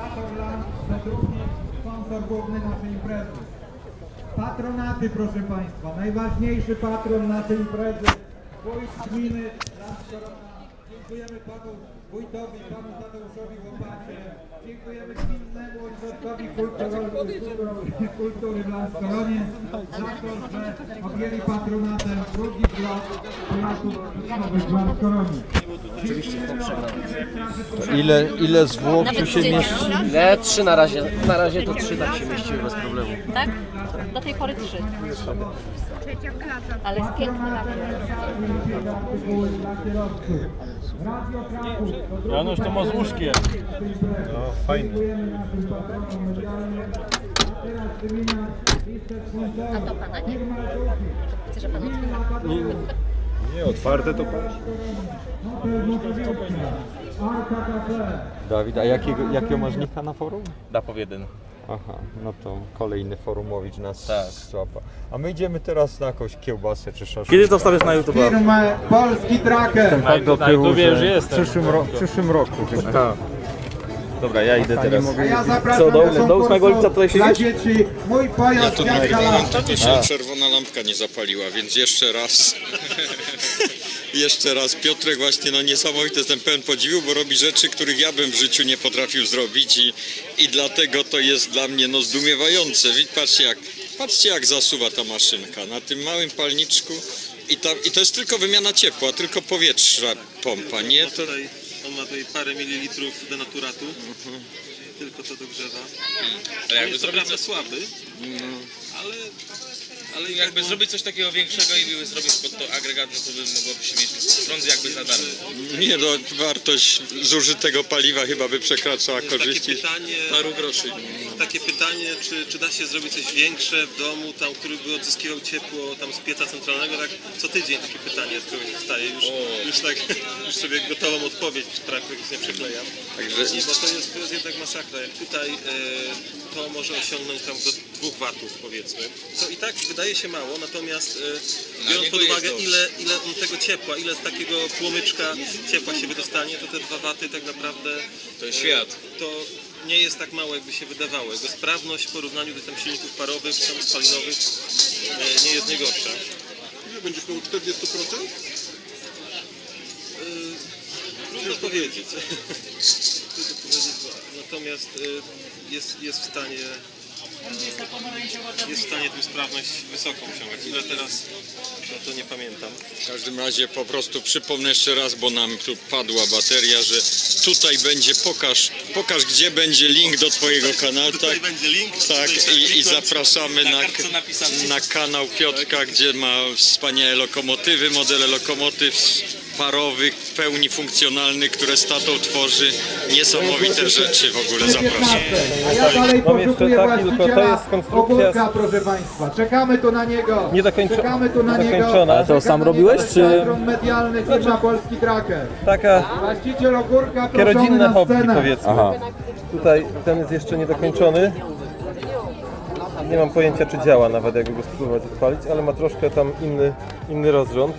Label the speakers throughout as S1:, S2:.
S1: Organizator Land to również sponsor główny naszej imprezy. Patronaty, proszę Państwa, najważniejszy patron naszej imprezy, wójt gminy Landskorona. Dziękujemy panu wójtowi, panu Tadeuszowi Łopacie. Dziękujemy gminnemu ośrodkowi kultury w Landskoronie za to, że objęli patronatem drugi blok pojazdów nowych w Landskoronie.
S2: Ile zwłok tu się mieści?
S3: Nie, 3 na razie. Na razie to 3 tak się mieściły bez problemu.
S4: Tak? Do tej pory 3. Ale jest piękny nawet.
S5: Janusz to ma z łóżkiem.
S2: No, fajnie.
S4: A to pana nie? Chcę, że pan otwiera.
S2: Nie, otwarte to patrz. Dawid, a jakiego masz nika na forum?
S5: Dapow 1.
S2: Aha, no to kolejny forumowicz nas
S5: Tak.
S2: złapa. A my idziemy teraz na jakąś kiełbasę czy szaszłyk.
S5: Kiedy to wstawiasz na YouTube?
S1: Firmę Polski Tracker.
S2: Tak do
S5: Na
S2: tyłu,
S5: YouTubie już
S2: że
S5: jestem.
S2: w przyszłym roku.
S5: Aha. Dobra, ja idę teraz.
S1: A ja zapraszam
S5: Co, do
S1: do
S5: 8 lipca tutaj
S1: dla
S5: siedzisz?
S1: dzieci. Mój pojazd
S2: Tu
S1: jak
S2: nagrywam, to się czerwona lampka nie zapaliła, więc jeszcze raz. Jeszcze raz. Piotrek właśnie, no niesamowity, jestem pełen podziwu, bo robi rzeczy, których ja bym w życiu nie potrafił zrobić i dlatego to jest dla mnie no zdumiewające. Patrzcie jak zasuwa ta maszynka na tym małym palniczku i to jest tylko wymiana ciepła, tylko powietrza pompa, nie? To...
S6: On ma tutaj parę mililitrów denaturatu, tylko to dogrzewa.
S7: A jakby
S6: Jest
S7: zrobić
S6: naprawdę
S7: coś,
S6: słaby, ale
S7: jakby zrobić coś takiego większego i były zrobić pod to agregat, no to by mogłoby się mieć prąd jakby za darmo.
S2: Nie no, wartość zużytego paliwa chyba by przekraczała
S6: jest
S2: korzyści paru groszy.
S6: takie pytanie, czy da się zrobić coś większe w domu, tam, który by odzyskiwał ciepło tam z pieca centralnego, tak co tydzień takie pytanie z kogoś wstaje, już sobie gotową odpowiedź, czy praktycznie nie przyklejam.
S2: Także
S6: Bo to jest jednak masakra, jak tutaj to może osiągnąć tam do 2 watów powiedzmy, co i tak wydaje się mało, natomiast biorąc
S7: niego
S6: pod uwagę
S7: jest
S6: ile on tego ciepła, ile z takiego płomyczka ciepła się wydostanie, to te 2 waty tak naprawdę
S7: To jest świat.
S6: to nie jest tak mało jakby się wydawało. Jego sprawność w porównaniu do tam silników parowych, tam spalinowych nie jest najgorsza.
S8: Ile będziesz miał 40%?
S6: Trudno powiedzieć. Trudno powiedzieć. Natomiast jest w stanie tę sprawność wysoką osiągać. Ile teraz, no to nie pamiętam.
S2: w każdym razie po prostu przypomnę jeszcze raz, bo nam tu padła bateria, że tutaj będzie, pokaż gdzie będzie link do twojego kanału.
S6: Tutaj
S2: Tak,
S6: będzie link.
S2: tak i zapraszamy na kanał Piotrka, gdzie ma wspaniałe lokomotywy, modele lokomotyw parowych, w pełni funkcjonalnych, które z tatą tworzy niesamowite rzeczy w ogóle. Zapraszam.
S1: A ja dalej
S5: Mam jeszcze
S1: poszukuję
S5: taki, tylko to jest
S1: właściciela
S5: konstrukcja
S1: ogórka, proszę Państwa. Czekamy tu na niego. Czekamy tu na niego.
S5: niedokończona. Ale to sam robiłeś, czy-
S1: Patron medialny firma Polski Tracker.
S5: Taka
S1: Właściciel ogórka
S5: takie
S1: proszony
S5: rodzinne
S1: na
S5: hobby
S1: scenę.
S5: powiedzmy. Tutaj ten jest jeszcze niedokończony. Nie mam pojęcia czy działa nawet jakby go spróbować odpalić, ale ma troszkę tam inny rozrząd.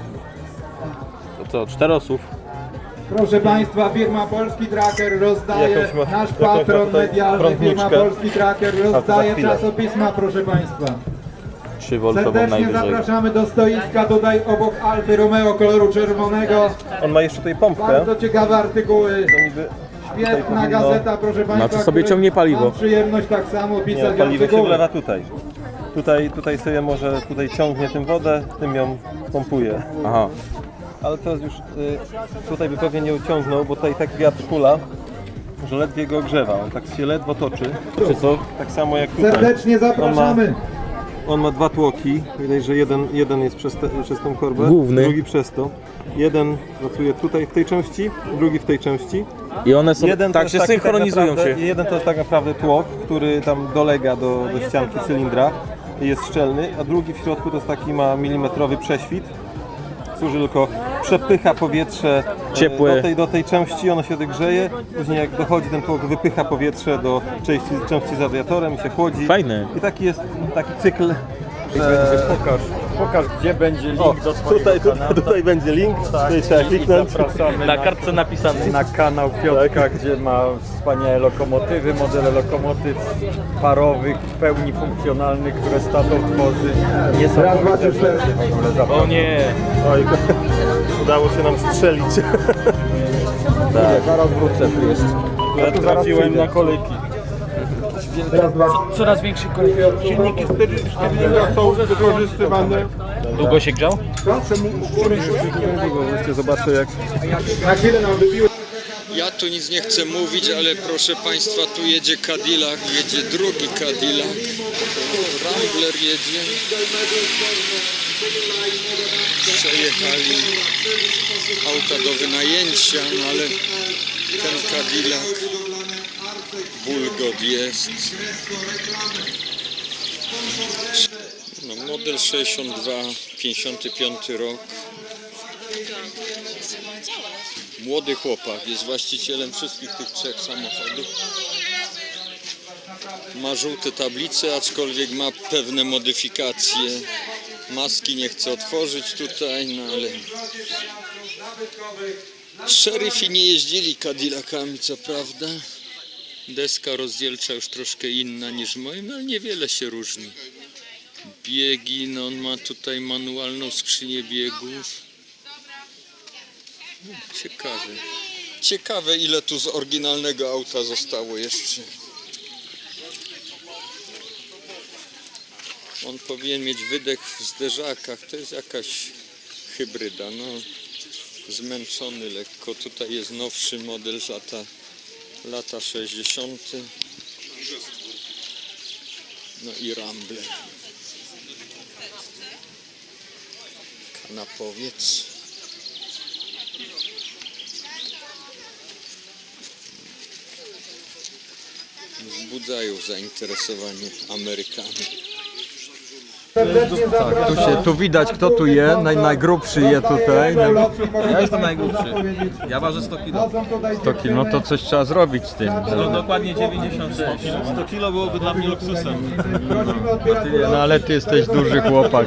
S5: To co, 4 osób?
S1: Proszę Państwa, firma Polski Tracker rozdaje,
S5: Jakąś ma
S1: nasz
S5: tutaj
S1: patron medialny, firma
S5: prądniczkę.
S1: Polski Tracker
S5: za
S1: rozdaje
S5: chwilę.
S1: czasopisma, proszę Państwa.
S5: 3V
S1: Serdecznie zapraszamy do stoiska, tutaj obok Alfy Romeo koloru czerwonego.
S5: On ma jeszcze tutaj pompkę.
S1: Bardzo ciekawe artykuły.
S5: To niby
S1: Świetna
S5: powinno-
S1: gazeta, proszę Państwa.
S9: Znaczy sobie
S1: której
S9: ciągnie paliwo.
S1: Mam przyjemność tak samo
S5: nie,
S1: pisać
S5: paliwo się
S1: artykuły.
S5: wlewa tutaj sobie może ciągnie tym wodę, tym ją pompuje.
S9: Aha.
S5: Ale teraz już tutaj by pewnie nie uciągnął, bo tutaj tak wiatr hula, że ledwie go ogrzewa. On tak się ledwo toczy. Czy co? Tak samo jak tutaj.
S1: Serdecznie zapraszamy.
S5: On ma 2 tłoki. Widać, że jeden jest przez tą korbę,
S9: Główny.
S5: drugi przez to. Jeden pracuje tutaj w tej części, drugi w tej części.
S9: I one są,
S5: Jeden to
S9: tak
S5: jest
S9: się
S5: taki
S9: synchronizują
S5: naprawdę,
S9: się.
S5: Jeden to jest tak naprawdę tłok, który tam dolega do ścianki cylindra i jest szczelny, a drugi w środku to jest taki ma milimetrowy prześwit. Służy tylko, przepycha powietrze
S9: Ciepłe.
S5: do tej części, ono się grzeje, później jak dochodzi ten tłok, wypycha powietrze do części z radiatorem i się chłodzi.
S9: Fajne.
S5: I taki jest taki cykl, że...
S2: Pokaż.
S9: pokaż, gdzie będzie link
S5: O,
S9: do twojego kanału.
S5: tutaj będzie link, tutaj trzeba
S9: I
S5: kliknąć.
S9: zapraszamy
S7: Na kartce napisane.
S9: na kanał Piotrka, gdzie ma wspaniałe lokomotywy, modele lokomotyw parowych, w pełni funkcjonalnych, które Statow tworzy. Niesamowite rzeczy w ogóle.
S7: O nie!
S5: Oj, udało się nam strzelić.
S9: Tak. Zaraz wrócę tu jeszcze.
S5: Ja trafiłem na
S9: kolejki.
S7: Coraz większy kolej.
S8: Silniki Stirlinga są wykorzystywane.
S7: Długo się grzał?
S5: Zobaczę jak...
S1: Na chwilę nam wybiło.
S2: Ja tu nic nie chcę mówić, ale proszę Państwa, tu jedzie Cadillac, jedzie drugi Cadillac. Rambler jedzie. Przejechali auta do wynajęcia, no ale ten Cadillac, Bulgot jest. No, model 62, 55 rok. Młody chłopak, jest właścicielem wszystkich tych trzech samochodów. Ma żółte tablice, aczkolwiek ma pewne modyfikacje. Maski nie chce otworzyć tutaj, no ale... Szeryfi nie jeździli Cadillacami, co prawda. Deska rozdzielcza już troszkę inna niż moim, no ale niewiele się różni. Biegi, no on ma tutaj manualną skrzynię biegów. Ciekawe. Ciekawe, ile tu z oryginalnego auta zostało jeszcze. On powinien mieć wydech w zderzakach. To jest jakaś hybryda. No, zmęczony lekko. Tutaj jest nowszy model z lata 60. No i Rambler. Kanapowiec. Wzbudzają zainteresowanie Amerykanów.
S9: Tak, tu widać, kto tu je, najgrubszy je tutaj.
S7: Ja jestem najgłupszy. Ja ważę 100 kg.
S9: 100 kg, no to coś trzeba zrobić z tym.
S7: To dokładnie 96.
S6: 100 kilo byłoby dla mnie luksusem.
S9: No ale ty jesteś duży chłopak.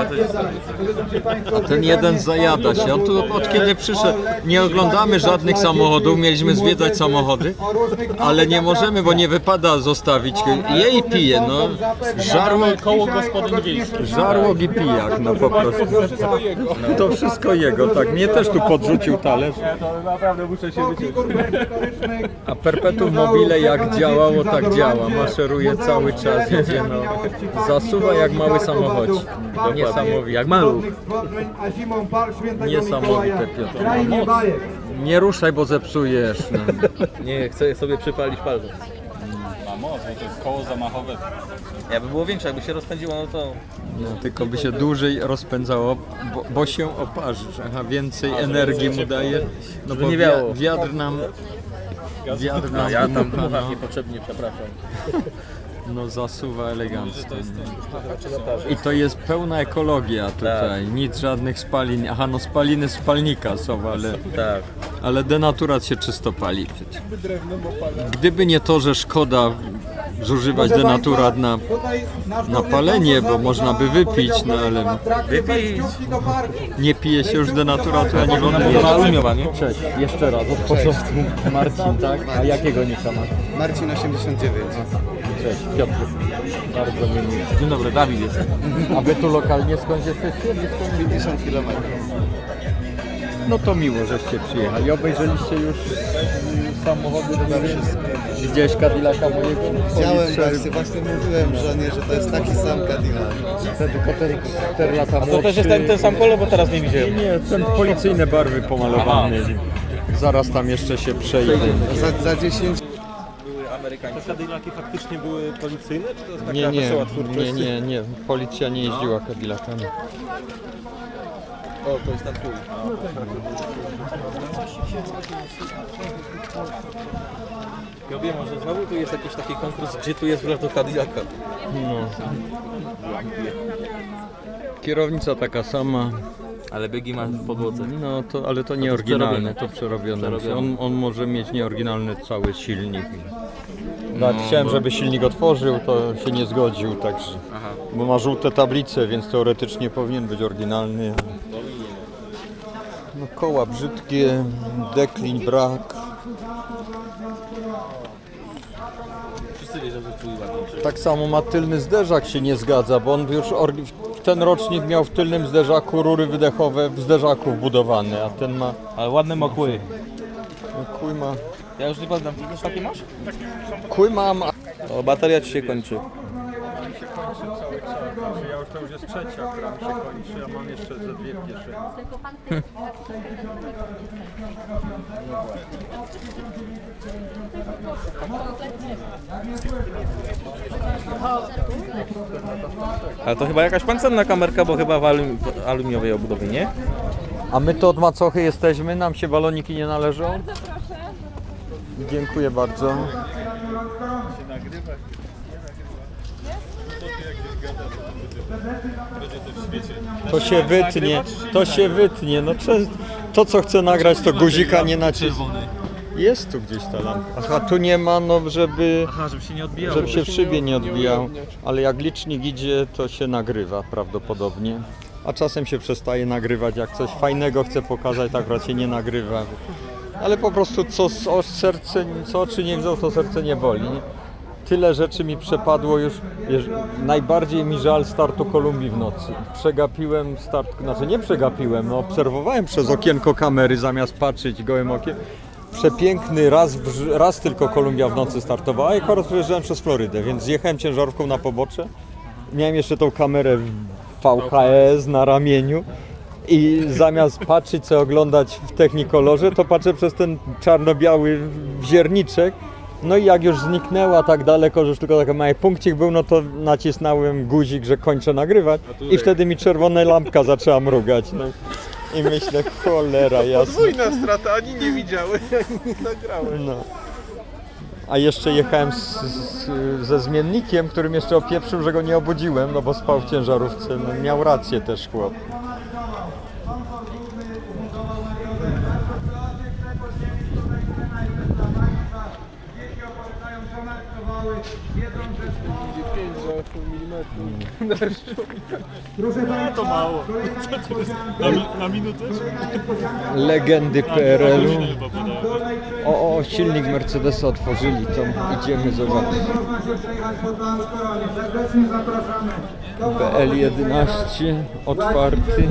S9: A ten jeden zajada się. On tu od kiedy przyszedł, nie oglądamy żadnych samochodów, mieliśmy zwiedzać samochody, ale nie możemy, bo nie wypada zostawić. Je i pije, no.
S7: Koło gospodyń wiejskich.
S9: Żarłok i pijak, no po prostu. To wszystko jego, tak. Mnie też tu podrzucił talerz. A perpetuum mobile jak działało, tak działa. Maszeruje cały czas, jedzie, no. Zasuwa jak mały samochodzik. Niesamowite. Jak mały. Niesamowite, Piotr. Nie ruszaj, bo zepsujesz. No.
S7: Nie, chcę sobie przypalić palce.
S6: Ma moc, bo to jest koło zamachowe.
S7: Jakby było większe, jakby się rozpędziło, no to...
S9: No, tylko by się dłużej rozpędzało, bo się oparzy. Aha, więcej energii mu daje. No bo
S7: nie wiało.
S9: wiatr nam
S7: Ja tam
S9: wybucha,
S7: dmucham niepotrzebnie, przepraszam.
S9: no zasuwa elegancko. I to jest pełna ekologia tutaj, nic żadnych spalin. Aha, no spaliny z spalnika są, ale denaturat się czysto pali przecież. Gdyby nie to, że szkoda zużywać denaturat na palenie, bo można by wypić, no ale nie pije się już denaturatu ani wody.
S7: Alumiowa, nie?
S9: Cześć, jeszcze raz, od początku. Marcin, tak? A jakiego nika masz?
S10: Marcin 89.
S9: Cześć, Piotr. Bardzo mi miło.
S7: Dzień dobry, Dawid jest.
S9: A wy tu lokalnie skąd jesteście?
S10: 50 km.
S9: No to miło, żeście przyjechali. Obejrzeliście już samochody? Widziałeś Cadillaca mojego?
S10: Widziałem właśnie mówiłem żonie, że to jest taki sam Cadillac.
S9: Tylko 4 lata
S7: To też jest ten sam kolor, bo teraz nie widziałem.
S9: Nie, ten policyjne barwy pomalowany. Zaraz tam jeszcze się przejdę.
S10: Za 10.
S6: Te Cadillaki faktycznie były policyjne, czy to jest taka wesoła twórczość?
S9: Nie. Policja nie jeździła Cadillacami.
S7: O, to jest ten twój. Ja wiem, może znowu tu jest jakiś taki konkurs, gdzie tu jest wlew do Cadillaca.
S9: No. Kierownica taka sama,
S7: Ale biegi ma w podłodze.
S9: No to, ale to nie
S7: jest
S9: oryginalne,
S7: przerobione.
S9: to przerobione.
S7: Przerobione.
S9: On może mieć nieoryginalny cały silnik. Nawet chciałem, żeby silnik otworzył, to się nie zgodził, także.
S7: Aha.
S9: Bo ma żółte tablice, więc teoretycznie powinien być oryginalny. No koła brzydkie, deklin brak.
S7: Wszyscy wiedzą, że twój ładniejszy.
S9: Tak samo ma tylny zderzak się nie zgadza, bo on już ten rocznik miał w tylnym zderzaku rury wydechowe w zderzaku wbudowane, a ten ma...
S7: Ale ładne ma kły.
S9: Kły ma...
S7: Ja już nie pamiętam, ty też takie masz?
S9: Kły mam...
S7: O, bateria ci się kończy.
S9: To już jest trzecia, która mi się kończy, a mam jeszcze ze dwie w kieszeni.
S4: Tylko pan
S7: Ale to chyba jakaś pancerna kamerka, bo chyba w aluminiowej obudowie, nie?
S9: A my to od macochy jesteśmy, nam się baloniki nie należą? Bardzo proszę. Dziękuję bardzo. To się wytnie, no to co chcę nagrać to guzika nie nacisnę. Jest tu gdzieś ta lampa. Aha, tu nie ma, no żeby
S7: się nie odbijało.
S9: żeby się w szybie nie odbijał, ale jak licznik idzie, to się nagrywa prawdopodobnie. A czasem się przestaje nagrywać, jak coś fajnego chcę pokazać, tak akurat się nie nagrywa. Ale po prostu co oczy nie widzą, to serce nie boli. Tyle rzeczy mi przepadło już, najbardziej mi żal startu Kolumbii w nocy. Przegapiłem start, znaczy nie przegapiłem, no obserwowałem przez okienko kamery zamiast patrzeć gołym okiem. Przepiękny, raz tylko Kolumbia w nocy startowała i akurat przejeżdżałem przez Florydę, więc zjechałem ciężarówką na pobocze. Miałem jeszcze tą kamerę VHS na ramieniu i zamiast patrzeć, co oglądać w Technicolorze, to patrzę przez ten czarno-biały wzierniczek. No i jak już zniknęła tak daleko, że już tylko taki mały punkcik był, no to nacisnąłem guzik, że kończę nagrywać i wtedy mi czerwona lampka zaczęła mrugać. No. I myślę, cholera jasna.
S8: Podwójna strata, ani nie widziały, ani nie nagrały.
S9: No. A jeszcze jechałem ze zmiennikiem, którym jeszcze opieprzył, że go nie obudziłem, no bo spał w ciężarówce. No, miał rację też chłop.
S1: Proszę Państwa, to mało.
S8: Na minutę?
S9: Legendy PRL-u. O, silnik Mercedesa otworzyli, to idziemy zobaczyć.
S1: Serdecznie zapraszamy.
S9: PL11 otwarty.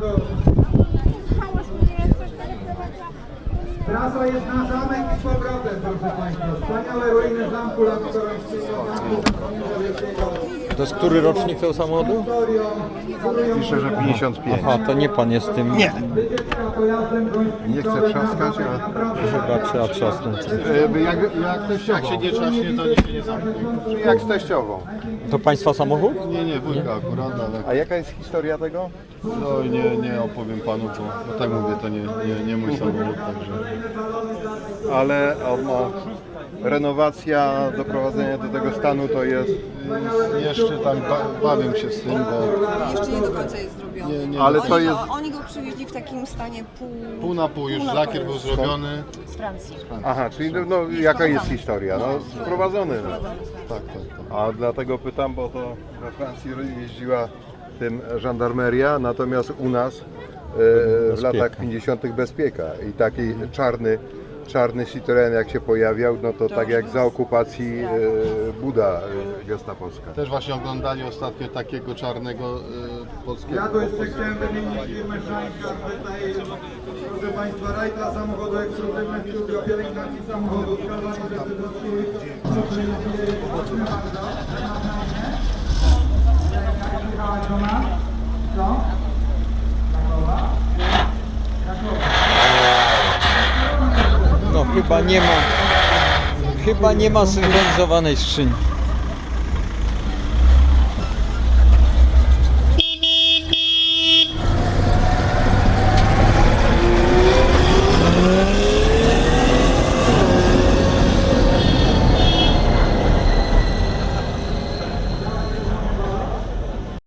S1: Trasa jest na zamek i z powrotem, proszę Państwa. Wspaniałe ruiny zamku Lamkorońskiego.
S9: To jest który rocznik tego samochodu?
S8: Pisze, że 55.
S9: Aha, to nie pan jest tym.
S8: Nie. Nie chcę trzaskać, ale...
S9: Chyba trzeba trzasnąć.
S8: Jak się nie trzaśnie, to nikt się nie zamknie. Czyli jak z teściową.
S9: To państwa samochód?
S8: Nie, wujka akurat, ale... A jaka jest historia tego? No nie opowiem panu, bo tak mówię, to nie mój samochód, także... Ale on ma... Renowacja, doprowadzenie do tego stanu to jest... Jeszcze tam bawię się z tym, bo...
S11: Jeszcze nie do końca jest zrobiony.
S8: Nie, ale to jest...
S11: Oni go przywieźli w takim stanie
S8: Pół na pół, już lakier był zrobiony.
S4: z Francji.
S8: Aha, czyli no, jaka jest historia? No sprowadzony. No. Tak. A dlatego pytam, bo to we Francji jeździła tym żandarmeria, natomiast u nas w latach 50. bezpieka i taki czarny Citroen jak się pojawiał, no to tak jak za okupacji Buda gestapowska. Też właśnie oglądali ostatnio takiego czarnego polskiego.
S1: Ja tu jeszcze chciałem wymienić firmę Szańka, tutaj, proszę Państwa, raj dla samochodu ekskluzywny w studio pielęgnacji samochodu, skazanie decydowskiej.
S9: No chyba nie ma synchronizowanej skrzyni.